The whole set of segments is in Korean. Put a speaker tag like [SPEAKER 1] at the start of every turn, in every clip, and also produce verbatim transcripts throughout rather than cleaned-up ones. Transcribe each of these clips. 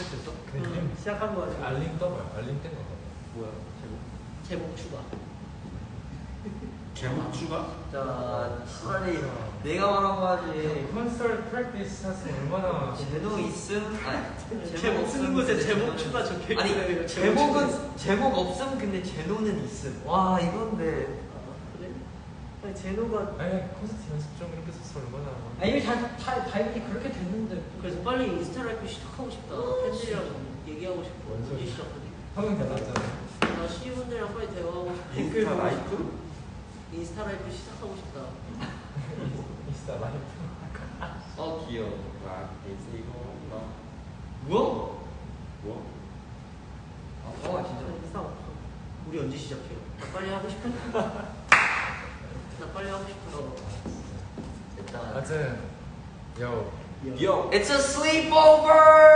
[SPEAKER 1] 됐어?
[SPEAKER 2] 응, 시작한 거 같아.
[SPEAKER 3] 알림 떠봐요. 알림 뜬 거.
[SPEAKER 1] 뭐야?
[SPEAKER 2] 제목 추가.
[SPEAKER 4] 제목 추가?
[SPEAKER 1] 자, 차라리 내가 말한 거 하지.
[SPEAKER 3] 콘서트 프랙티스 하시면 얼마나
[SPEAKER 1] 제목 있음? 아니,
[SPEAKER 2] 제목 쓰는 곳에
[SPEAKER 1] 근데
[SPEAKER 2] 제목
[SPEAKER 1] 제노는-
[SPEAKER 2] 추가 적혀 있어요.
[SPEAKER 1] 아니, 제목은 제목 없음 근데 제노는 있음. 와, 이건데.
[SPEAKER 2] 아, 그래? 아니 제노가
[SPEAKER 3] 아니 콘서트 연습 좀 이렇게 써서 얼마나
[SPEAKER 5] 아 이미 다, 다, 다 이미 그렇게 됐는데
[SPEAKER 2] 그래서 빨리 인스타 라이브 시작하고 싶다. 팬들이랑 얘기하고 싶어.
[SPEAKER 3] 뭔 소리야.
[SPEAKER 2] 언제 시작하지?
[SPEAKER 3] 화면 달랐잖아.
[SPEAKER 2] 나 시우분들이랑 빨리 대화하고 싶어.
[SPEAKER 4] 인스타 라이프?
[SPEAKER 2] 인스타 라이브 시작하고 싶다.
[SPEAKER 3] 인스타 라이브.
[SPEAKER 1] 어, 귀여워.
[SPEAKER 4] 와, 이거
[SPEAKER 1] 뭐?
[SPEAKER 4] 뭐?
[SPEAKER 1] 아, 어, 진짜.
[SPEAKER 2] 인스타 없어. 우리 언제 시작해요? 나 빨리 하고 싶어. 나 빨리 하고 싶어.
[SPEAKER 1] 됐다.
[SPEAKER 3] 아무튼 요
[SPEAKER 4] 요!
[SPEAKER 1] It's a sleepover!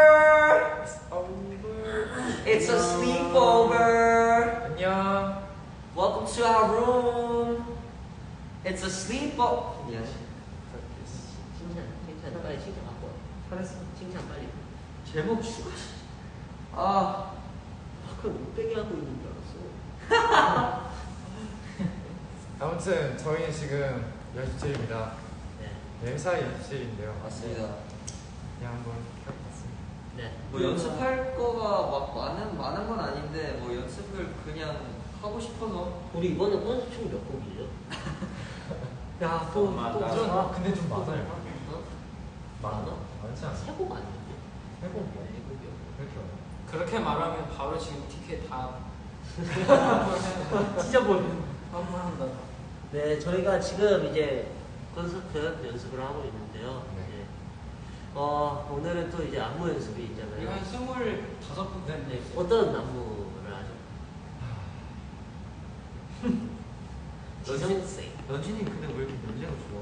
[SPEAKER 1] It's a sleepover!
[SPEAKER 3] 안녕.
[SPEAKER 1] Welcome to our room! It's a sleepover! 미안.
[SPEAKER 2] 칭찬, 칭찬 빨리 칭찬 갖고 와.
[SPEAKER 5] 잘했어.
[SPEAKER 2] 칭찬 빨리.
[SPEAKER 1] 제목 추가. 아,
[SPEAKER 2] 마크 못 빼게 하고 있는 줄 알았어.
[SPEAKER 3] 아무튼 저희는 지금 연습실입니다.
[SPEAKER 2] 네.
[SPEAKER 3] 엠사이 연습실인데요.
[SPEAKER 1] 맞습니다.
[SPEAKER 3] 그냥 한번 켜봤습니다.
[SPEAKER 2] 네.
[SPEAKER 1] 뭐 연습할 거가 막 많은 많은 건 아닌데 뭐 연습을 그냥 하고 싶어서.
[SPEAKER 2] 우리 이번에 콘서트 총몇 곡이죠?
[SPEAKER 5] 야, 또, 또,
[SPEAKER 4] 맞아.
[SPEAKER 5] 또,
[SPEAKER 3] 아, 근데 좀 많아요.
[SPEAKER 2] 어?
[SPEAKER 3] 많아? 많지 않아?
[SPEAKER 2] 세곡 아니었냐?
[SPEAKER 3] 세곡이야.
[SPEAKER 2] 네 곡이요.
[SPEAKER 3] 그렇게 많아.
[SPEAKER 5] 그렇게 말하면 바로 지금 티켓 다
[SPEAKER 2] 찢어버리는.
[SPEAKER 5] 환불한다.
[SPEAKER 2] 네, 저희가 지금 이제 콘서트 연습을 하고 있는데요.
[SPEAKER 3] 네.
[SPEAKER 2] 이제 어, 오늘은 또 이제 안무 연습이
[SPEAKER 5] 이거
[SPEAKER 2] 있잖아요.
[SPEAKER 5] 한 스물다섯 분
[SPEAKER 2] 네,
[SPEAKER 5] 됐는데
[SPEAKER 2] 어떤 안무를 하죠? 지성생.
[SPEAKER 1] 연진이 근데 왜 이렇게 냄새가 좋아?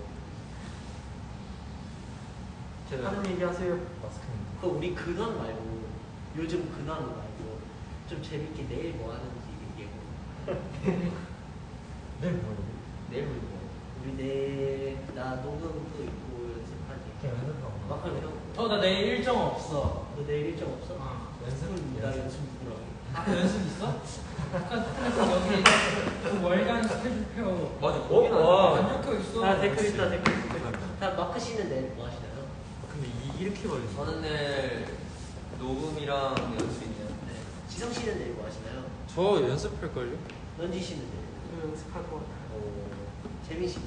[SPEAKER 1] 제가
[SPEAKER 5] 하는 얘기 하세요.
[SPEAKER 3] 마스크는
[SPEAKER 2] 그 우리 근황 말고 요즘 근황 말고 좀 재밌게 내일 뭐 하는지 얘기해보.
[SPEAKER 3] 내일 뭐예요?
[SPEAKER 1] 내일 뭐 입어?
[SPEAKER 2] 우리 내일 나 녹음도 있고 연습하지.
[SPEAKER 3] 그냥 연습하고.
[SPEAKER 2] 막하면 형.
[SPEAKER 5] 어, 나 내일 일정 없어.
[SPEAKER 2] 너 내일 일정 없어?
[SPEAKER 5] 어.
[SPEAKER 3] 연습?
[SPEAKER 2] 나 연습 누구랑 해?
[SPEAKER 5] 아, 연습 있어? 아까 스트레스 여기 그 월간 스케줄표
[SPEAKER 1] 맞아.
[SPEAKER 3] 어?
[SPEAKER 1] 거기는
[SPEAKER 3] 와.
[SPEAKER 1] 안
[SPEAKER 5] 안 적혀 있어.
[SPEAKER 2] 아 댓글 있다 댓글 있다. 다 마크 씨는 내일 뭐 하시나요?
[SPEAKER 3] 근데 이, 이렇게 걸리지?
[SPEAKER 1] 저는 내일 녹음이랑 연습 있네요.
[SPEAKER 2] 네. 지성 씨는 내일 뭐 하시나요?
[SPEAKER 3] 저 연습할걸요?
[SPEAKER 2] 런지 씨는 내일.
[SPEAKER 5] 그 연습할 거 같아.
[SPEAKER 2] 재민 씨.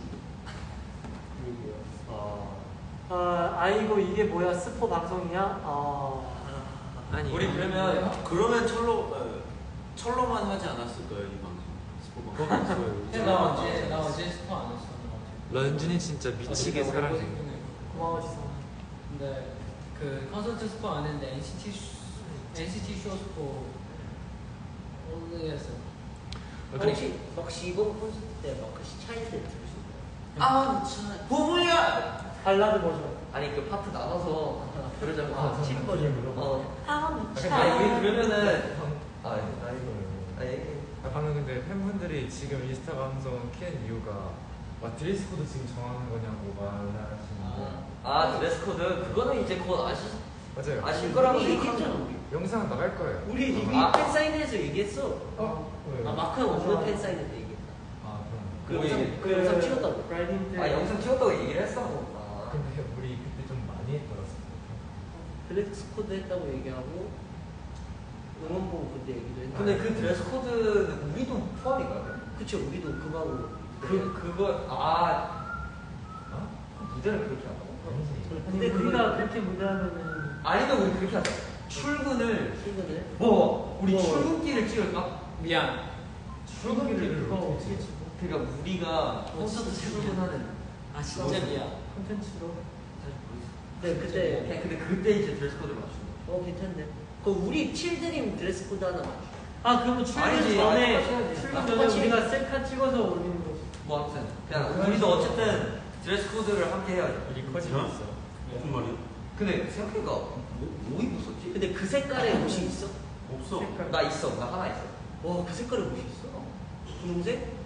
[SPEAKER 1] 아,
[SPEAKER 5] 아, 아이고 이게 뭐야? 스포 방송이야? 어.
[SPEAKER 3] 아니
[SPEAKER 4] 우리 그러면 그러면 철로 어, 철로만 하지 않았을까요 이 방송? 스포
[SPEAKER 3] 그거
[SPEAKER 4] 방송.
[SPEAKER 3] 없어요.
[SPEAKER 5] 나 어제 나 어제 스포 안 했어.
[SPEAKER 3] 런쥔이 진짜 미치게 사랑해.
[SPEAKER 5] 고마워 지성. 근데 그 콘서트 스포 안 했는데 엔시티 쇼, 엔시티 쇼 스포 오늘 했어.
[SPEAKER 2] 혹시 혹시 이번 콘서트 때 마크 씨 차이들 들을 수 있나요?
[SPEAKER 1] 아, 참. 부부야.
[SPEAKER 5] 발라드 버전.
[SPEAKER 1] 아니 그 파트 나눠서 그러자고.
[SPEAKER 2] 아, 친 버전으로.
[SPEAKER 1] 어.
[SPEAKER 2] 아,
[SPEAKER 1] 아니 우리 그러면은. 아, 아니,
[SPEAKER 3] 아이고.
[SPEAKER 1] 아 얘기.
[SPEAKER 3] 아, 방금 근데 팬분들이 지금 인스타 방송 키는 이유가 막 드레스 코드 지금 정하는 거냐고 말하시는데
[SPEAKER 1] 아 드레스 코드 그거는 이제 곧 아시
[SPEAKER 3] 맞아요.
[SPEAKER 1] 아실 거라고
[SPEAKER 2] 우리
[SPEAKER 1] 생각합니다.
[SPEAKER 2] 얘기했잖아 우리.
[SPEAKER 3] 영상 나갈 거예요.
[SPEAKER 2] 우리 이미
[SPEAKER 1] 아.
[SPEAKER 2] 팬 사인회에서 얘기했어.
[SPEAKER 3] 어? 왜요?
[SPEAKER 2] 아 마크 형 없는 팬 사인회 때 얘기했다.
[SPEAKER 3] 아
[SPEAKER 2] 그
[SPEAKER 3] 그럼.
[SPEAKER 1] 뭐
[SPEAKER 2] 영상
[SPEAKER 1] 얘기-
[SPEAKER 2] 그 영상 찍었다고.
[SPEAKER 5] 브라이딩 때.
[SPEAKER 1] 아 영상 찍었다고 얘기를 했어. 아.
[SPEAKER 3] 근데 우리 그때 좀 많이 했더라고요.
[SPEAKER 2] 드레스 코드 했다고 얘기하고 응원봉 그때 얘기도 했는데.
[SPEAKER 1] 근데 그 드레스 코드는 우리도 포함인가요?
[SPEAKER 2] 그쵸 우리도 그거하고
[SPEAKER 1] 그 그거 아
[SPEAKER 3] 어?
[SPEAKER 1] 그 무대를 그렇게 한다고?
[SPEAKER 3] 아니지.
[SPEAKER 5] 근데 우리가 그렇게 무대하면은
[SPEAKER 1] 아니면 우리 그렇게 하자. 출근을
[SPEAKER 2] 출근을
[SPEAKER 1] 뭐 우리
[SPEAKER 2] 뭐.
[SPEAKER 1] 출근길을 찍을까?
[SPEAKER 5] 미안.
[SPEAKER 3] 출근기를
[SPEAKER 5] 그거
[SPEAKER 3] 어떻게
[SPEAKER 5] 어떻게
[SPEAKER 3] 찍어?
[SPEAKER 5] 찍어?
[SPEAKER 1] 그러니까 우리가 콘서트 출근하는.
[SPEAKER 2] 아
[SPEAKER 5] 진짜 미안. 콘텐츠로.
[SPEAKER 2] 네 그때
[SPEAKER 1] 그냥 근데 그때 이제 드레스 코드를 맞추는 거.
[SPEAKER 2] 어 괜찮네. 그 우리 칠드림 드레스 코드 하나 맞춰.
[SPEAKER 5] 아 그러면 출근
[SPEAKER 1] 아니지,
[SPEAKER 5] 전에
[SPEAKER 1] 아니, 똑같이
[SPEAKER 5] 출근
[SPEAKER 2] 해야지.
[SPEAKER 5] 전에
[SPEAKER 2] 똑같이
[SPEAKER 5] 우리가 셀카 찍어서 올리는 거지.
[SPEAKER 1] 뭐 아무튼 그냥 우리도 어쨌든 드레스 코드를 함께 해야죠.
[SPEAKER 3] 일이 커지고
[SPEAKER 4] 어?
[SPEAKER 3] 있어.
[SPEAKER 4] 무슨 말이야?
[SPEAKER 1] 근데 생각해보니까 뭐, 뭐 입었었지?
[SPEAKER 2] 근데 그 색깔의 옷이 있어?
[SPEAKER 4] 없어.
[SPEAKER 5] 색깔.
[SPEAKER 1] 나 있어. 나 하나 있어.
[SPEAKER 2] 와 그 색깔의 옷이 있어? 분홍색?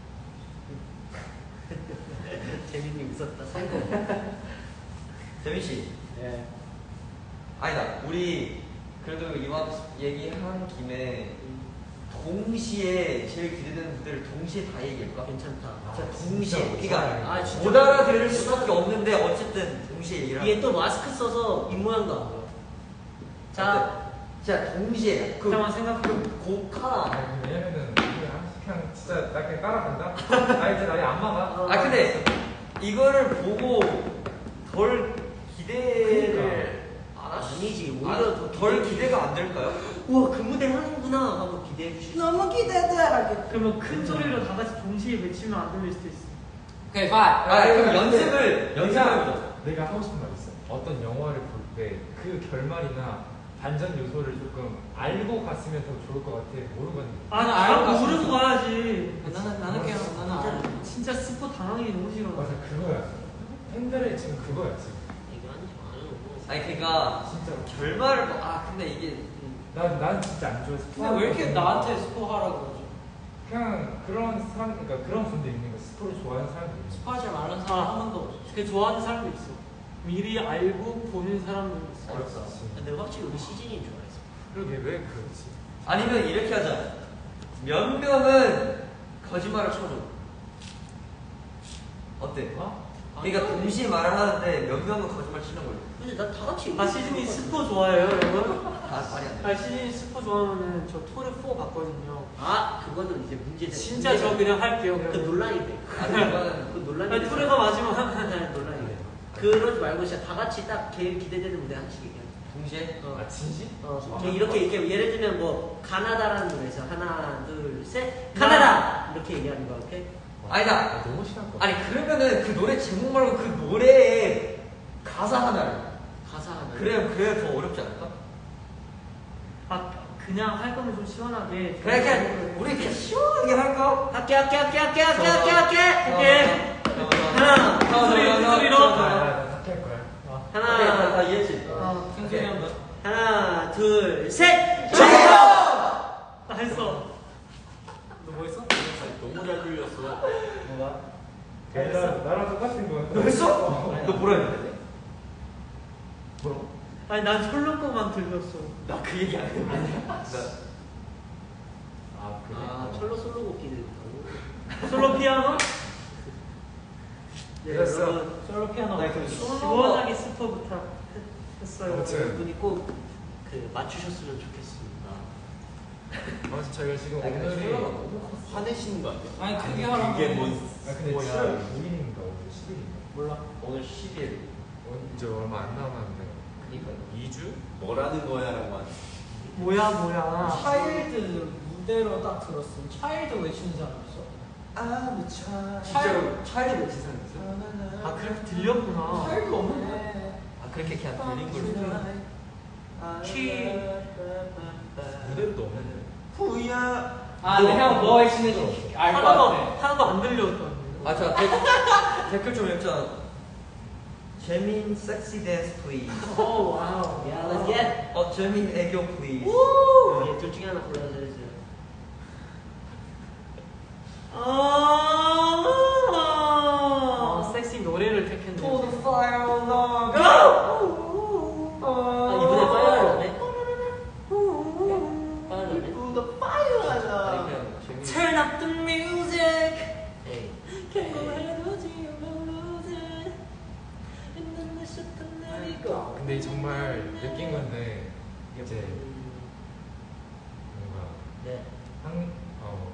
[SPEAKER 2] 재민이 웃었다. 성공.
[SPEAKER 1] 재민 씨.
[SPEAKER 5] 예.
[SPEAKER 1] 아니다. 우리 그래도 이왕 얘기한 김에 동시에 제일 기대되는 무대를 동시에 다 얘기할까?
[SPEAKER 2] 괜찮다.
[SPEAKER 1] 진짜
[SPEAKER 3] 아,
[SPEAKER 1] 동시에
[SPEAKER 3] 진짜
[SPEAKER 1] 그러니까
[SPEAKER 2] 아, 진짜.
[SPEAKER 1] 못 알아들을 수밖에 없는데 어쨌든 동시에 얘기를
[SPEAKER 2] 이게
[SPEAKER 1] 하는
[SPEAKER 2] 또 마스크 써서 입모양도 안 보여. 자,
[SPEAKER 1] 진짜 동시에 그
[SPEAKER 5] 잠깐만 생각해.
[SPEAKER 1] 고카
[SPEAKER 3] 아니, 왜냐면은 그냥 그냥 진짜 나 그냥 따라간다. 아 이제 나이 안 막아.
[SPEAKER 1] 아 근데 이거를 보고 덜 기대를 안 하시-
[SPEAKER 2] 아니지, 오히려
[SPEAKER 1] 아,
[SPEAKER 2] 더
[SPEAKER 1] 덜
[SPEAKER 2] 기대-
[SPEAKER 1] 기대가 안 될까요?
[SPEAKER 2] 우와 그 무대 하는구나 하고 기대해 주실 수 있어요.
[SPEAKER 6] 너무 기대돼.
[SPEAKER 5] 그러면 큰 소리로 다 같이 동시에 외치면 안 들릴 수도 있어.
[SPEAKER 6] 오케이, 파.
[SPEAKER 1] 아 그럼
[SPEAKER 3] 근데
[SPEAKER 1] 연습을 연습을
[SPEAKER 3] 내가 내가 하고 싶은 말 있어. 어떤 영화를 볼 때 그 결말이나 반전 요소를 조금 알고 갔으면 더 좋을 것 같아. 모르고 갔는데.
[SPEAKER 5] 아, 나 알고 모르고 가야지.
[SPEAKER 6] 나는 나는 그냥 나는 알아.
[SPEAKER 5] 진짜 스포 당하기 너무 싫어.
[SPEAKER 3] 맞아 그거야. 팬들의 지금 그거야 지금.
[SPEAKER 2] 이거 하지 말고.
[SPEAKER 1] 아니 그러니까
[SPEAKER 3] 진짜.
[SPEAKER 1] 결말을 뭐- 아 근데 이게
[SPEAKER 3] 난, 난 진짜 안 좋아해서.
[SPEAKER 6] 근데 왜 이렇게 나한테 스포 하라고 그러지?
[SPEAKER 3] 그냥 그런 사람, 그러니까 그런 분들 있는 거 스포를 좋아하는 사람들 있는 거.
[SPEAKER 6] 스포하지 말라는 사람 한 번도 없어.
[SPEAKER 5] 그 좋아하는 사람도 있어. 미리 알고 보는 사람도 있어.
[SPEAKER 1] 어렵다.
[SPEAKER 2] 근데 확실히 우리 시즌이 좋아했어.
[SPEAKER 3] 그러게 왜 그렇지?
[SPEAKER 1] 아니면 이렇게 하자. 몇 명은 거짓말을 쳐줘. 어때?
[SPEAKER 3] 어?
[SPEAKER 1] 그러니까 동시에 말을 하는데 몇 명은 거짓말 치는 걸로.
[SPEAKER 2] 근데 나 다 같이.
[SPEAKER 5] 아, 시즌이 스포 좋아해요, 여러분?
[SPEAKER 1] 아 말이 안 돼.
[SPEAKER 5] 아, 시즌이 스포 좋아하면은 저 토르 사 봤거든요.
[SPEAKER 2] 아 그거는 이제 문제.
[SPEAKER 5] 진짜 저 그냥 할게요.
[SPEAKER 2] 그
[SPEAKER 5] 그냥.
[SPEAKER 2] 논란이 돼.
[SPEAKER 1] 아 그거는
[SPEAKER 2] 그 논란이.
[SPEAKER 5] 아니, 토르가 마지막
[SPEAKER 2] 논란이 돼. 그러지 말고 진짜 다 같이 딱 제일 기대되는 무대 하나씩 얘기해.
[SPEAKER 1] 동시에
[SPEAKER 2] 어.
[SPEAKER 3] 아 진심?
[SPEAKER 2] 어,
[SPEAKER 3] 아,
[SPEAKER 2] 저 이렇게 이렇게 예를 들면 뭐 가나다라는 노래에서 하나 둘 셋 가나다 이렇게 얘기하는 거 오케이?
[SPEAKER 1] 아니다.
[SPEAKER 3] 아, 너무 싫을 것 같아.
[SPEAKER 1] 아니 그러면은 그 노래 제목 말고 그 노래의 가사 하나를.
[SPEAKER 2] 가사 하나.
[SPEAKER 1] 그래야 그래야 더 어렵지 않을까?
[SPEAKER 5] 아, 그냥 할 거면 좀 시원하게.
[SPEAKER 1] 그래 그냥 우리 그냥 시원하게 할까?
[SPEAKER 2] 할게 할게 할게 할게 할게 할게 할게 할게.
[SPEAKER 1] 하나,
[SPEAKER 5] 소리, 소리로.
[SPEAKER 3] 아, 나 삭제할 거야. 아.
[SPEAKER 2] 하나
[SPEAKER 1] 다 이해했지?
[SPEAKER 5] 어,
[SPEAKER 6] 생소리 한 번.
[SPEAKER 2] 하나 둘 셋.
[SPEAKER 5] 나 했어.
[SPEAKER 6] 너 뭐 했어?
[SPEAKER 4] 너무 잘 들렸어.
[SPEAKER 6] 뭐가?
[SPEAKER 3] 나랑 나랑 똑같은 거야.
[SPEAKER 1] 너 했어?
[SPEAKER 3] 어.
[SPEAKER 1] 너 뭐라 했는데?
[SPEAKER 3] 뭐라고?
[SPEAKER 5] 아니, 난 솔로 거만 들렸어.
[SPEAKER 1] 나 그 얘기 안 했는데. 나
[SPEAKER 3] 아 그래.
[SPEAKER 2] 아 철로 솔로곡기도 있고.
[SPEAKER 5] 솔로 피아노?
[SPEAKER 2] 네
[SPEAKER 3] 됐어.
[SPEAKER 2] 여러분
[SPEAKER 6] 솔로 피아노.
[SPEAKER 1] 나 그
[SPEAKER 5] 시원하게 스포부터 했어요.
[SPEAKER 3] 아무튼.
[SPEAKER 2] 여러분이 꼭 그 맞추셨으면 좋겠습니다.
[SPEAKER 3] 아무튼 저희가 지금
[SPEAKER 1] 아니, 근데
[SPEAKER 3] 오늘이
[SPEAKER 1] 솔로가
[SPEAKER 3] 아
[SPEAKER 1] 너무 컸어.
[SPEAKER 4] 화내시는 거 아니야?
[SPEAKER 6] 아니 그게 하라고.
[SPEAKER 4] 그게 뭔
[SPEAKER 3] 근데
[SPEAKER 4] 뭐야?
[SPEAKER 3] 칠월 구일인가 오늘 십일인가?
[SPEAKER 6] 몰라.
[SPEAKER 1] 오늘 십 일.
[SPEAKER 3] 어, 이제 얼마 안 남았는데.
[SPEAKER 1] 그니까.
[SPEAKER 3] 이 주?
[SPEAKER 4] 뭐라는 거야라고 하는.
[SPEAKER 5] 뭐야, 뭐야.
[SPEAKER 6] 차일드 무대로 딱 들었음. 차일드 외치는 사람 있어?
[SPEAKER 1] 아무 차.
[SPEAKER 6] 차일-
[SPEAKER 1] 차일드 외친 사람 있어?
[SPEAKER 5] 아, 그렇게 들렸구나.
[SPEAKER 6] 차일드 없는데.
[SPEAKER 1] 아 그렇게 그냥 들린 걸로.
[SPEAKER 5] 키.
[SPEAKER 3] 무대도 없는데.
[SPEAKER 1] 후야.
[SPEAKER 6] 아, 근데 형뭐 외치는지 알 것
[SPEAKER 5] 하나도,
[SPEAKER 6] 같아.
[SPEAKER 5] 하나도 안 들렸던.
[SPEAKER 1] 아, 자, 댓, 댓글 좀 읽자. 재민 섹시 댄스 플리즈.
[SPEAKER 5] 오, 와우.
[SPEAKER 2] 야, let's get.
[SPEAKER 1] 어, 재민 애교 플리즈.
[SPEAKER 2] 예, 둘 중에 하나 골라주세요.
[SPEAKER 5] 아, 섹시 노래를 택했네.
[SPEAKER 1] To the fire love.
[SPEAKER 2] 아 이번에 파이어를 하네. 파이어를 하네.
[SPEAKER 1] To the fire love.
[SPEAKER 5] Turn up the music.
[SPEAKER 2] 에이.
[SPEAKER 3] 근데 정말 느낀 건데 이제 뭔가
[SPEAKER 2] 네.
[SPEAKER 3] 한 어,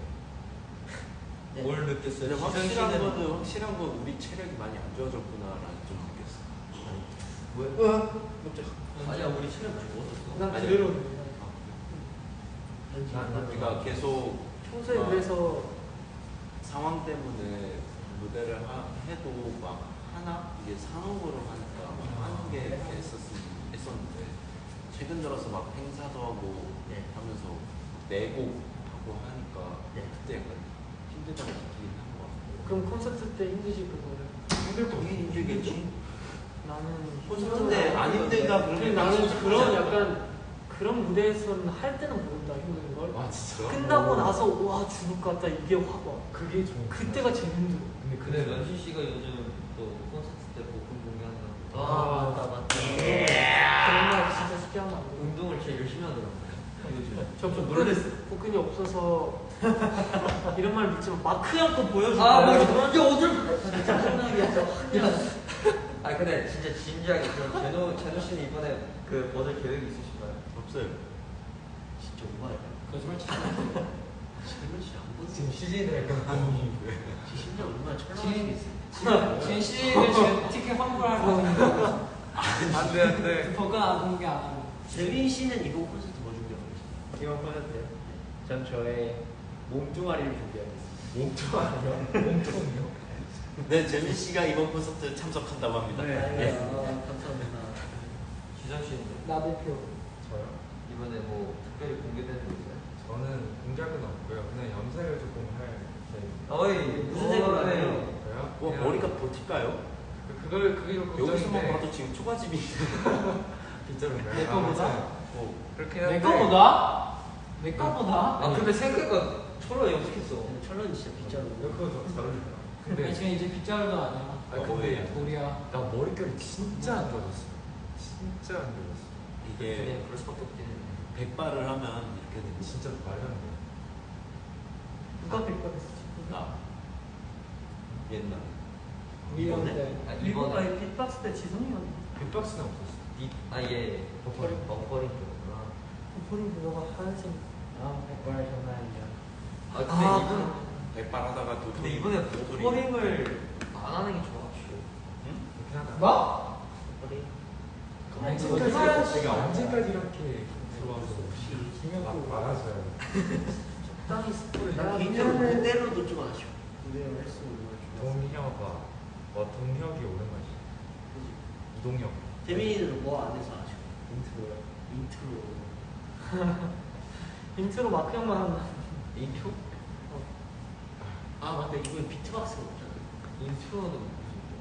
[SPEAKER 3] 네.
[SPEAKER 2] 네.
[SPEAKER 1] 뭘 느꼈어요?
[SPEAKER 4] 근데
[SPEAKER 1] 지성
[SPEAKER 4] 확실한
[SPEAKER 1] 씨는
[SPEAKER 4] 거는 확실한 건 우리 체력이 많이 안 좋아졌구나라는 좀 느꼈어.
[SPEAKER 1] 뭐야? 아니야, 우리 체력 좋아졌어.
[SPEAKER 5] 난
[SPEAKER 4] 아니,
[SPEAKER 5] 그대로.
[SPEAKER 3] 난- 난
[SPEAKER 4] 우리가 계속
[SPEAKER 5] 평소에
[SPEAKER 4] 아.
[SPEAKER 5] 그래서
[SPEAKER 4] 상황 때문에 무대를 하, 해도 막 하나 이게 상업으로 하니까 막 하는 게 이렇게 했었, 했었는데 최근 들어서 막 행사도 하고
[SPEAKER 2] 네.
[SPEAKER 4] 하면서 내고 하고 하니까
[SPEAKER 2] 네.
[SPEAKER 4] 그때 약간 힘들다고 느끼긴 한 것 같고.
[SPEAKER 5] 그럼 콘서트 때 힘드실 그거를.
[SPEAKER 3] 힘들 거
[SPEAKER 4] 당연히 힘들겠지.
[SPEAKER 5] 나는
[SPEAKER 4] 콘서트인데 안 힘들다
[SPEAKER 5] 근데
[SPEAKER 4] 그러면
[SPEAKER 5] 나는 그런 약간 그런 무대에서는 할 때는 모른다 힘든 걸.
[SPEAKER 3] 아 진짜?
[SPEAKER 5] 끝나고 나서 와 죽을 것 같다 이게 확 와.
[SPEAKER 3] 그게 좀
[SPEAKER 5] 그때가 제일 힘들어.
[SPEAKER 3] 근데
[SPEAKER 1] 근데
[SPEAKER 3] 그래
[SPEAKER 1] 런쥔 씨가 요즘 또 콘서트 때 복근 공개한다고.
[SPEAKER 2] 아 맞다 맞다.
[SPEAKER 5] 그런 말 진짜 쉽게 하면 안 돼.
[SPEAKER 1] 운동을
[SPEAKER 2] 저좀 놀랬어. 복근이 없어서 이런 말 믿지만 마크 형 거 보여줘.
[SPEAKER 1] 아, 뭐, 야, 어딜. 짜증나게 했어. 아, 근데 진짜 진지하게, 그럼 제노, 제노 씨는 이번에 그 버전 계획이 있으신가요?
[SPEAKER 4] 없어요.
[SPEAKER 2] 진짜 오바야.
[SPEAKER 5] 거짓말 치지
[SPEAKER 2] 지금은 진짜 안 보지.
[SPEAKER 3] 지금 씨지들 약간 고민이
[SPEAKER 2] 심지어 얼마나
[SPEAKER 5] 지금
[SPEAKER 2] 철렁하시겠어요.
[SPEAKER 5] 지금 씨를 지금 티켓 환불하고 있는 거.
[SPEAKER 3] 안돼 안돼.
[SPEAKER 5] 버가 안 공개 안 하고.
[SPEAKER 2] 재민 씨는 이번 콘서트 뭐 준비하고 계세요?
[SPEAKER 6] 이번 콘서트요. 전 저의 몸뚱아리를 준비하겠습니다.
[SPEAKER 3] 몸통이요? 몸통이요?
[SPEAKER 4] 네, 재민 씨가 이번 콘서트 참석한다고 합니다.
[SPEAKER 2] 네.
[SPEAKER 4] 예.
[SPEAKER 2] 아, 감사합니다.
[SPEAKER 1] 기장 씨는
[SPEAKER 5] 나 대표.
[SPEAKER 3] 저요?
[SPEAKER 1] 이번에 뭐 특별히 공개되는 거 있어요?
[SPEAKER 3] 저는 공개한 건 없고요. 그냥 염색을 조금 할 계획입니다.
[SPEAKER 1] 어이,
[SPEAKER 2] 무슨 색으로 하세요?
[SPEAKER 3] 저요?
[SPEAKER 4] 뭐
[SPEAKER 3] 그냥
[SPEAKER 4] 머리가 버틸까요?
[SPEAKER 3] 그- 그걸 그게 좀
[SPEAKER 4] 여기서만
[SPEAKER 3] 걱정인데
[SPEAKER 4] 봐도 지금 초가집이
[SPEAKER 3] 빗자루인가요?
[SPEAKER 5] 내 거보다?
[SPEAKER 4] 어,
[SPEAKER 3] 그렇긴 한데
[SPEAKER 5] 내 거보다? 내 거보다?
[SPEAKER 1] 아, 근데 생각보다 초로 염색했어.
[SPEAKER 2] 근데 철렁이 진짜 빗자루.
[SPEAKER 3] 그거 좀잘 어울리더라.
[SPEAKER 5] 아니,
[SPEAKER 3] 근데
[SPEAKER 5] 지금 이제 빗자루도 아니야.
[SPEAKER 3] 아 근데
[SPEAKER 5] 돌이야.
[SPEAKER 3] 나 머릿결이 진짜 안 좋아졌어. 진짜 안 좋아졌어.
[SPEAKER 4] 이게
[SPEAKER 1] 그냥 그럴 수밖에 없긴 해.
[SPEAKER 4] 백발을 하면 이렇게 됩니다.
[SPEAKER 3] 진짜 말이 안 돼.
[SPEAKER 5] 누가 백발했어?
[SPEAKER 4] 나 옛날
[SPEAKER 5] 위험
[SPEAKER 2] 이번에?
[SPEAKER 5] 때.
[SPEAKER 1] 아,
[SPEAKER 2] 일본
[SPEAKER 1] 이번에
[SPEAKER 2] 아이 빅박스 때 지성이 형.
[SPEAKER 3] 빅박스는 없었어.
[SPEAKER 1] 이, 아, 예.
[SPEAKER 3] 버퍼링.
[SPEAKER 1] 버퍼링 거구나.
[SPEAKER 2] 포린 그거가 하얀색.
[SPEAKER 6] 아, 백발 장난 아니야.
[SPEAKER 1] 아, 근데
[SPEAKER 2] 아,
[SPEAKER 1] 이번,
[SPEAKER 4] 백발 하다가 또
[SPEAKER 1] 근데 이번에
[SPEAKER 4] 소리.
[SPEAKER 1] 버퍼링을 안 하는 게 좋아가지고.
[SPEAKER 4] 응?
[SPEAKER 3] 그렇긴 하다.
[SPEAKER 5] 뭐?
[SPEAKER 2] 포린.
[SPEAKER 3] 언제까지
[SPEAKER 5] 하얀
[SPEAKER 3] 내가 언제까지 이렇게 들어와서
[SPEAKER 2] 혹시
[SPEAKER 3] 막 말아줘야 돼.
[SPEAKER 2] 적당히 스포를. 나
[SPEAKER 5] 야,
[SPEAKER 2] 개인적으로
[SPEAKER 5] 미안해.
[SPEAKER 2] 무대로도 좀 아쉬워. 무대로 했으면 얼마나 좋았어.
[SPEAKER 3] 동혁아, 어 동혁이 오랜만이지.
[SPEAKER 2] 그지?
[SPEAKER 3] 이동혁.
[SPEAKER 2] 재민이는 뭐 안 해서 아쉬워?
[SPEAKER 6] 인트로요.
[SPEAKER 2] 인트로.
[SPEAKER 5] 인트로 마크 형만 한다.
[SPEAKER 1] 인트로?
[SPEAKER 2] 아 맞다 이번에 비트박스가 없잖아.
[SPEAKER 1] 인트로는 무슨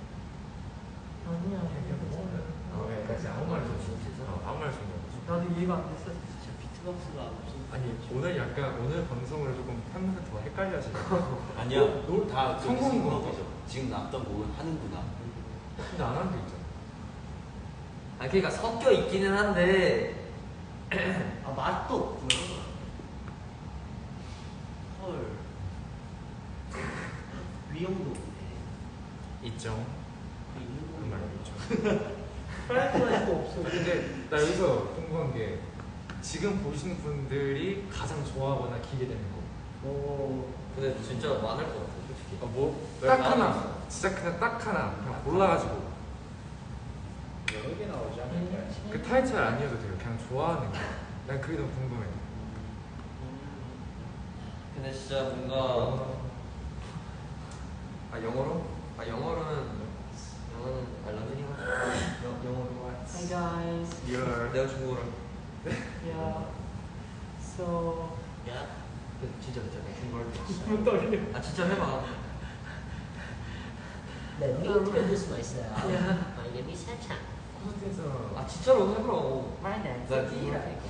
[SPEAKER 5] 아니야.
[SPEAKER 3] 아, 왜? 나 진짜 아무 말도 없어. 어, 아무 말도 없어.
[SPEAKER 5] 나도 이해가 안 됐어.
[SPEAKER 2] 진짜 비트박스가 없어.
[SPEAKER 3] 아니 오늘 약간 오늘 방송을 조금 팬분들 더 헷갈려 하시죠.
[SPEAKER 4] 아니야.
[SPEAKER 3] 놀-
[SPEAKER 4] 다
[SPEAKER 3] 성공인 거
[SPEAKER 4] 거죠. 지금 남던 곡은 하는구나.
[SPEAKER 3] 근데 안 하는 게 있잖아.
[SPEAKER 1] 아, 그러니까 섞여 있기는 한데.
[SPEAKER 2] 아 맛도 없구나. 헐. 위험도 없네.
[SPEAKER 3] 있죠.
[SPEAKER 2] 그 있는
[SPEAKER 3] 그
[SPEAKER 2] 건
[SPEAKER 3] 말도 있죠.
[SPEAKER 5] 프라이팬도 없어.
[SPEAKER 3] 근데 나 여기서 궁금한 게 지금 보시는 분들이 가장 좋아하거나 기대되는 거.
[SPEAKER 5] 오.
[SPEAKER 1] 근데 진짜 많을 것 같아, 솔직히.
[SPEAKER 3] 아, 뭐? 딱 하나. 진짜 그냥 딱 하나. 그냥 골라가지고.
[SPEAKER 6] 여러 개 나오지 않을까요?
[SPEAKER 3] 그 타이틀 아니어도 돼요. 그냥 좋아하는 거. 난 그게 너무 궁금해.
[SPEAKER 1] 근데 진짜 뭔가. 아, 영어로? 아, 영어로는. 영어는 알라딘이 하죠. 영어로.
[SPEAKER 5] Hi guys.
[SPEAKER 3] 리얼.
[SPEAKER 1] 내가 중국어로.
[SPEAKER 5] Yeah. So.
[SPEAKER 2] 야.
[SPEAKER 1] 그, 진짜 진짜 내가 중국어로.
[SPEAKER 5] 문 떨려.
[SPEAKER 1] 아, 진짜 해봐.
[SPEAKER 2] Let me introduce myself.
[SPEAKER 5] Yeah.
[SPEAKER 2] My name is Hanchan.
[SPEAKER 3] 콘서트에서
[SPEAKER 1] 아, 진짜로 해보라고.
[SPEAKER 2] My name
[SPEAKER 1] 나
[SPEAKER 2] is
[SPEAKER 1] 중국어로.
[SPEAKER 2] Ira.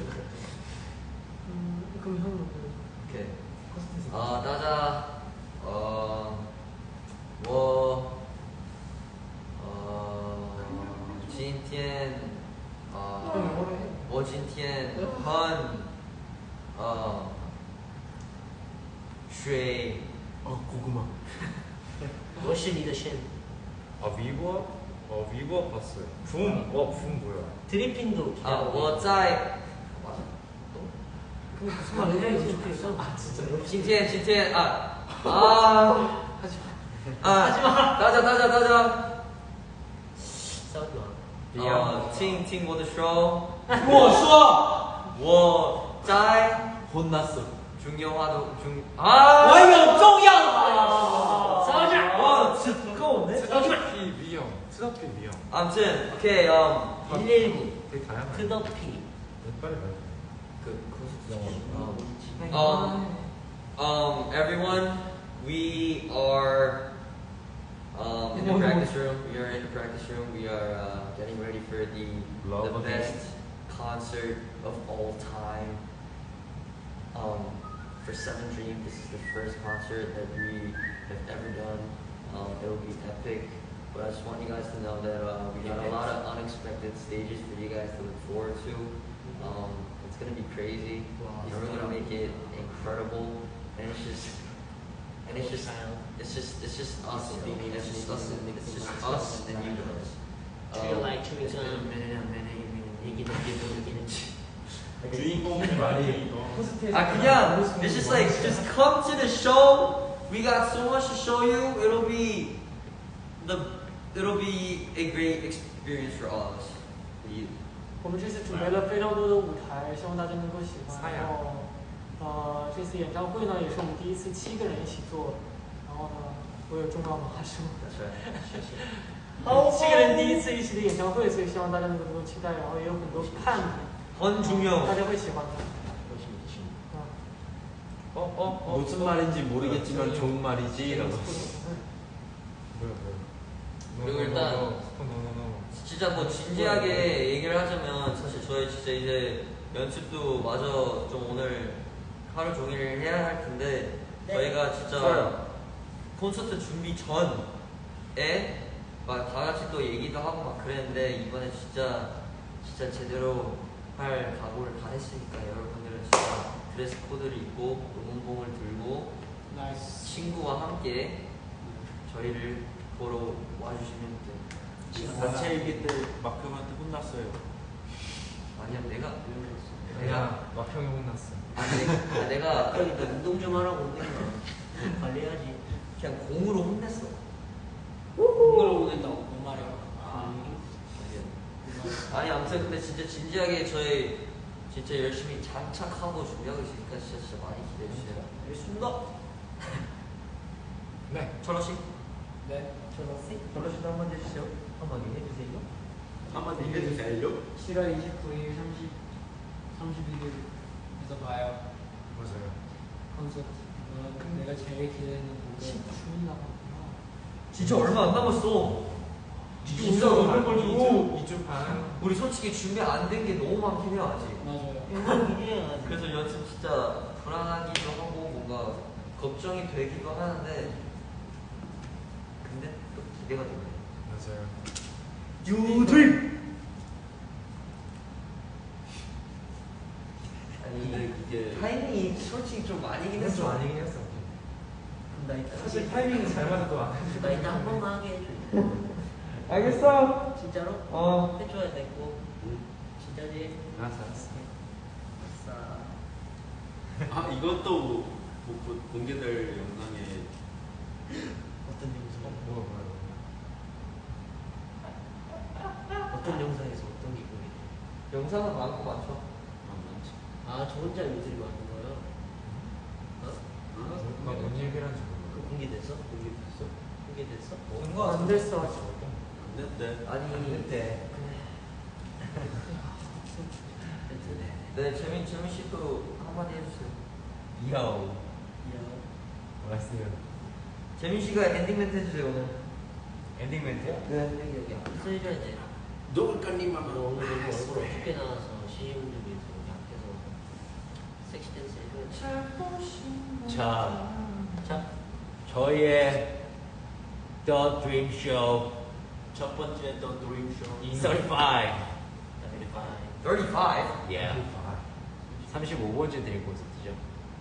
[SPEAKER 5] 음, 그럼 형은 뭐?
[SPEAKER 1] 오케이.
[SPEAKER 3] 콘서트에서
[SPEAKER 1] 啊，大家，呃，我，呃，今天，呃，我今天很，呃，睡，
[SPEAKER 4] 어, 고구마.
[SPEAKER 2] 我是你的神.
[SPEAKER 3] 아 위버? 어 위버 봤어요. 붐. 어 붐 뭐야?
[SPEAKER 2] 드리핀도
[SPEAKER 1] 啊，
[SPEAKER 2] 기다려.
[SPEAKER 1] 我在，
[SPEAKER 5] 그 무슨 말이야? 이거
[SPEAKER 2] 아 진짜.
[SPEAKER 1] 今天，今天啊啊，啊，大家，大家，大家，
[SPEAKER 2] 싸우지 마.
[SPEAKER 1] 呃，听听我的说。
[SPEAKER 5] 我说，
[SPEAKER 1] 我在
[SPEAKER 4] 혼났어.
[SPEAKER 1] 중요하도 중 아!
[SPEAKER 5] 我有重要的。
[SPEAKER 2] 싸우지 마.
[SPEAKER 5] 와, 진짜 두꺼운데?
[SPEAKER 3] 트더피 위험. 트더피 위험.
[SPEAKER 1] 아무튼 오케이 음
[SPEAKER 2] 일일구.
[SPEAKER 3] 되게 다양하네.
[SPEAKER 2] 트더피.
[SPEAKER 3] 빨리 말해.
[SPEAKER 1] 그 콘서트
[SPEAKER 2] 음.
[SPEAKER 1] um um everyone we are um in the practice room we are in the practice room we are uh, getting ready for the
[SPEAKER 3] Love
[SPEAKER 1] the
[SPEAKER 3] again.
[SPEAKER 1] best concert of all time um for Seven Dream this is the first concert that we have ever done um it will be epic But I just want you guys to know that uh, we got a lot of unexpected stages for you guys to look forward to. Um, it's gonna be crazy. You know, we're gonna make it incredible, and it's just, and it's just, it's just, it's just us. You know? It's just us. And, it's just us and you guys.
[SPEAKER 2] feel like chewing
[SPEAKER 1] it's been a
[SPEAKER 2] gum.
[SPEAKER 1] minute, a minute, a minute.
[SPEAKER 2] 얘기는 얘기는
[SPEAKER 4] 주인공이 많이
[SPEAKER 1] 아 그냥 it's just like just come to the show. We got so much to show you. It'll be the it'll be a great experience for all of us. For you.
[SPEAKER 6] 我们这次准备了非常多的舞台，希望大家能够喜欢。
[SPEAKER 3] 사야
[SPEAKER 6] 然后，呃，这次演唱会呢，也是我们第一次七个人一起做。然后呢，我有重要的话说。
[SPEAKER 1] That's right.
[SPEAKER 6] 七个人第一次一起的演唱会，所以希望大家能够期待。然后也有很多看点，
[SPEAKER 1] 很重要。
[SPEAKER 6] 大家会喜欢的。
[SPEAKER 3] 어, 어, 어.
[SPEAKER 4] 무슨 말인지 모르겠지만 좋은 말이지. 라고.
[SPEAKER 3] 뭐야, 뭐야.
[SPEAKER 1] 그리고 일단
[SPEAKER 3] 노노노노.
[SPEAKER 1] 진짜 뭐 진지하게 얘기를 하자면 사실 저희 진짜 이제 연습도 마저 좀 오늘 하루 종일 해야 할 텐데 저희가 진짜 콘서트 준비 전에 막 다 같이 또 얘기도 하고 막 그랬는데 이번에 진짜 진짜 제대로 할 각오를 다 했으니까 여러분들은 진짜 드레스 코드를 입고 응원봉을 들고
[SPEAKER 5] 나이스.
[SPEAKER 1] 친구와 함께 저희를 보러 와주시면 돼요.
[SPEAKER 4] 단체 일기 때 마크형한테 혼났어요.
[SPEAKER 1] 아니야 내가 내가
[SPEAKER 3] 내가 막형이 혼났어.
[SPEAKER 1] 아 내가, 아, 내가
[SPEAKER 2] 그러니까 운동 좀 하라고 운동 관리해야지.
[SPEAKER 1] 그냥 공으로 혼냈어.
[SPEAKER 5] 공으로 보낸다고 뭔 말이야?
[SPEAKER 1] 아니 아무튼 근데 진짜 진지하게 저희 진짜 열심히 장착하고 준비하고 있으니까 진짜 진짜 많이 기대해 주세요.
[SPEAKER 2] 알겠습니다.
[SPEAKER 3] 네.
[SPEAKER 1] 철호 씨,
[SPEAKER 5] 네.
[SPEAKER 2] 철호 씨.
[SPEAKER 1] 철호 씨도 한번 해주세요. 한번 해주세요.
[SPEAKER 4] 한마디 해주세요.
[SPEAKER 5] 칠월 이십구일, 삼십, 삼십일일에서 봐요.
[SPEAKER 3] 맞아요.
[SPEAKER 5] 콘서트. 어, 내가 제일 기대되는 곡은
[SPEAKER 6] 주문이 나갔구나.
[SPEAKER 1] 진짜 얼마 안 남았어.
[SPEAKER 3] 진짜 너무 걸리고 이 주 반.
[SPEAKER 1] 우리 솔직히 준비 안 된 게 너무 많긴 해요 아직.
[SPEAKER 5] 맞아요.
[SPEAKER 2] 기대해야지.
[SPEAKER 1] 그래서 연습 진짜 불안하기도 하고 뭔가 걱정이 되기도 하는데 근데 또 기대가 되네.
[SPEAKER 3] 맞아요.
[SPEAKER 1] 유드림.
[SPEAKER 4] 근데
[SPEAKER 1] 아니
[SPEAKER 4] 이게
[SPEAKER 1] 타이밍이 솔직히 좀 아니긴
[SPEAKER 3] 좀
[SPEAKER 1] 했어.
[SPEAKER 3] 아니긴 했어.
[SPEAKER 2] 나 이따
[SPEAKER 3] 사실 타이밍이 잘 맞아도 안 해줘.
[SPEAKER 2] 나 이따 한 번만 하게 해줘.
[SPEAKER 1] 알겠어.
[SPEAKER 2] 진짜로?
[SPEAKER 1] 어.
[SPEAKER 2] 해줘야 돼 꼭. 진짜지?
[SPEAKER 3] 알았어, 알았어.
[SPEAKER 2] 아싸.
[SPEAKER 4] 아 이것도 뭐, 뭐 공개될 영상에
[SPEAKER 2] 어떤 영상?
[SPEAKER 3] 뭐야, 뭐야,
[SPEAKER 2] 어떤 영상에서 어떤 게 공개?
[SPEAKER 1] 영상은 많고 많죠.
[SPEAKER 4] 안 많지.
[SPEAKER 2] 아, 저 혼자 요들이 많은 거요? 어?
[SPEAKER 3] 뭐야. 막 뭔 얘기를 하는지
[SPEAKER 2] 그
[SPEAKER 3] 모르겠어.
[SPEAKER 2] 공개됐어? 공개됐어? 공개됐어?
[SPEAKER 1] 뭔가
[SPEAKER 6] 안 됐어 아직.
[SPEAKER 4] 안 됐대.
[SPEAKER 1] 아니 그때 네 재민 재민 씨도 한마디 해주세요.
[SPEAKER 3] 이야오.
[SPEAKER 2] 이야.
[SPEAKER 3] 알았어요.
[SPEAKER 1] 재민 씨가 엔딩 멘트 해주세요 오늘.
[SPEAKER 3] 엔딩 멘트?
[SPEAKER 1] 네.
[SPEAKER 2] 여기 여기 앞에서 해줘야 돼.
[SPEAKER 4] 누굴까님만
[SPEAKER 2] 너 오늘 너무 얼굴 어둡게 나와서 시인분들 위해서 여기 앞에서 섹시 댄스 해줘야 돼.
[SPEAKER 7] 자,
[SPEAKER 2] 자,
[SPEAKER 7] 저희의 The Dream Show
[SPEAKER 4] 첫 번째 더 드림 쇼.
[SPEAKER 7] 삼십오.
[SPEAKER 2] thirty-five.
[SPEAKER 1] thirty-five.
[SPEAKER 7] Yeah. 삼십오 번째 드림 콘서트죠.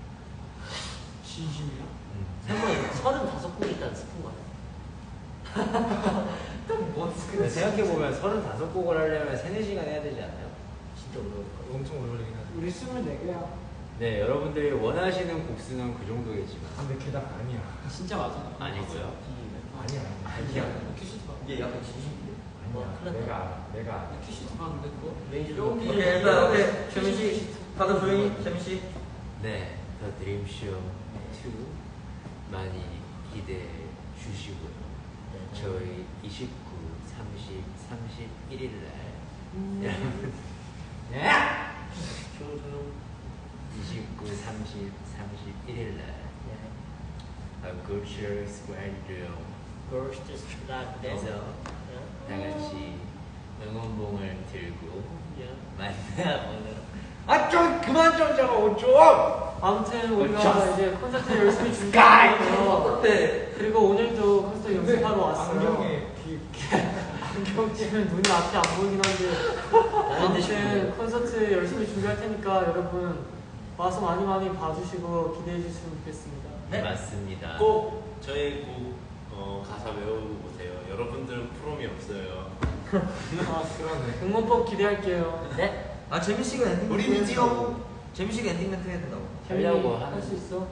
[SPEAKER 5] 진심이야?
[SPEAKER 2] 설마 서른다섯 곡 있다는 스푼 거야?
[SPEAKER 1] 뭔
[SPEAKER 7] 근데 생각해보면 서른다섯 곡을 하려면 세네 시간 해야 되지 않나요?
[SPEAKER 2] 진짜 어려울 거야.
[SPEAKER 3] 엄청 오래 걸리긴 하죠.
[SPEAKER 6] 우리 스물네 개야.
[SPEAKER 7] 네, 여러분들이 원하시는 곡수는 그 정도겠지만
[SPEAKER 3] 근데 걔 다 아니야.
[SPEAKER 5] 진짜 맞아.
[SPEAKER 7] 아니고요.
[SPEAKER 3] 아니야, 아니야.
[SPEAKER 1] 아니야.
[SPEAKER 5] 큐시트 봤
[SPEAKER 1] 이게 약간 진심인데.
[SPEAKER 7] 뭐,
[SPEAKER 3] 아니야.
[SPEAKER 2] 큰일 났다.
[SPEAKER 3] 내가 알아. 내가 알아.
[SPEAKER 5] 큐시트 봤는데 그거?
[SPEAKER 2] 매니저
[SPEAKER 5] 여기
[SPEAKER 1] 오케이 일단 오케이 재민 씨 다들 조용히 재민 씨.
[SPEAKER 7] 네, The Dream Show 투 많이 기대해 주시고요. 저희 이십구, 삼십, 삼십일 일 날 여러분 예!
[SPEAKER 2] 조용 조용.
[SPEAKER 7] 이십구, 삼십, 삼십일 일 날
[SPEAKER 2] 예.
[SPEAKER 7] 골치를 스퀘어에서
[SPEAKER 2] Girls just like that.
[SPEAKER 7] 다 같이 응원봉을 들고
[SPEAKER 2] 예.
[SPEAKER 7] 만나보는 아좀 그만 좀 잡아 좀!
[SPEAKER 6] 아무튼 우리가
[SPEAKER 7] just-
[SPEAKER 6] 이제 콘서트 열심히
[SPEAKER 7] Sky!
[SPEAKER 6] 준비했고요.
[SPEAKER 1] 어때?
[SPEAKER 6] 그리고 오늘도 콘서트 연습하러 왔어요.
[SPEAKER 3] 안경에 귀
[SPEAKER 6] 안경 끼면 눈이 앞이 안 보이긴 한데 아무튼 콘서트 열심히 준비할 테니까 여러분 와서 많이 많이 봐주시고 기대해 주시면 좋겠습니다.
[SPEAKER 4] 네, 맞습니다.
[SPEAKER 2] 꼭
[SPEAKER 4] 저희 곡 어, 가사 외우고 보세요. 여러분들은 프롬이 없어요.
[SPEAKER 6] 아,
[SPEAKER 3] 그러네.
[SPEAKER 6] 응원법 기대할게요.
[SPEAKER 2] 네.
[SPEAKER 1] 아 재민 씨가 엔딩 멘트
[SPEAKER 2] 우리는
[SPEAKER 1] 해야 된다고. 재민 씨가 엔딩 멘트 해야 된다고.
[SPEAKER 4] 하려고 하는-
[SPEAKER 6] 할수 있어?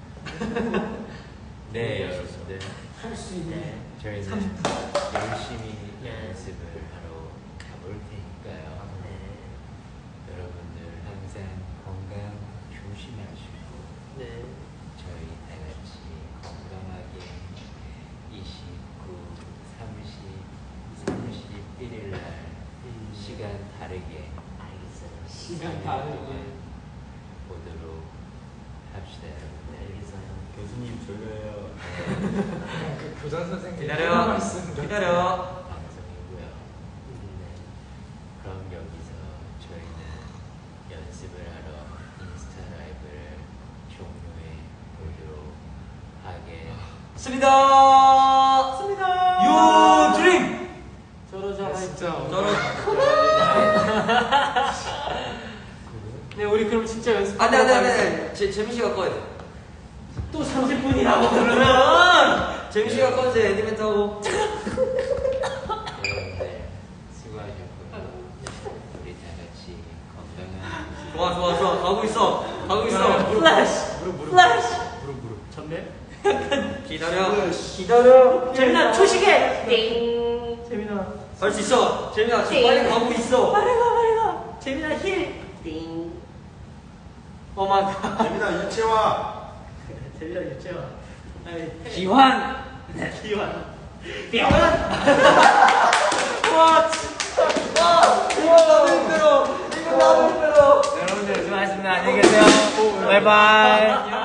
[SPEAKER 4] 네, 여러분들.
[SPEAKER 6] 할 수 있네.
[SPEAKER 4] 저희는
[SPEAKER 1] 삼십 분.
[SPEAKER 4] 열심히 연습을 하러 가볼 테니까요. 여러분들 항상 건강 조심하시고
[SPEAKER 2] 네.
[SPEAKER 4] 저희 다 같이 건강하게 이십구, 삼십, 삼십일 일 날 시간 다르게
[SPEAKER 2] 알겠어요.
[SPEAKER 6] 시간 다르게.
[SPEAKER 4] 보도록 합시다, 여러분들.
[SPEAKER 2] 알겠어요.
[SPEAKER 4] 교수님 졸려요.
[SPEAKER 3] 그 교장 선생님
[SPEAKER 1] 기다려.
[SPEAKER 3] 말씀 좀
[SPEAKER 1] 기다려.
[SPEAKER 4] 방송이고요. 네. 그럼 여기서 저희는 연습을 하러 인스타 라이브를 종료해 보도록 하겠습니다.
[SPEAKER 1] 씁니다. 유 드림.
[SPEAKER 6] 저러자
[SPEAKER 3] 진짜
[SPEAKER 1] 저런.
[SPEAKER 6] 네, 우리 그럼 진짜 연습.
[SPEAKER 1] 안돼 안돼 안돼. 제 재민 씨가 꺼야 돼.
[SPEAKER 2] 또 삼십 분이라고 그러면
[SPEAKER 1] 재민 씨가 꺼야지 엔딩 멘트 하고.
[SPEAKER 4] 여러분들 수고하셨고요. 우리 다 같이 건강한
[SPEAKER 1] 좋아 좋아 좋아 가고 있어 가고 있어.
[SPEAKER 2] 플래시.
[SPEAKER 3] 무릎 무릎
[SPEAKER 2] 플래시.
[SPEAKER 3] 무릎 무릎
[SPEAKER 2] 전멸.
[SPEAKER 1] 기다려.
[SPEAKER 2] 기다려. 재민아 초시계. 띵. 재민아.
[SPEAKER 1] 할 수 있어. 재민아 지금 빨리 가고 있어.
[SPEAKER 2] 빨리 가 빨리 가. 재민아 힐. 띵.
[SPEAKER 6] 어마.
[SPEAKER 4] 재민아 유채화.
[SPEAKER 2] 재민아 유채화.
[SPEAKER 1] 기환.
[SPEAKER 2] 기환. 기환.
[SPEAKER 1] 와 진짜. 와 이거 나도 힘들어. 이거 나도 힘들어.
[SPEAKER 7] 여러분들 수고하셨습니다. 안녕히 계세요. 바이바이.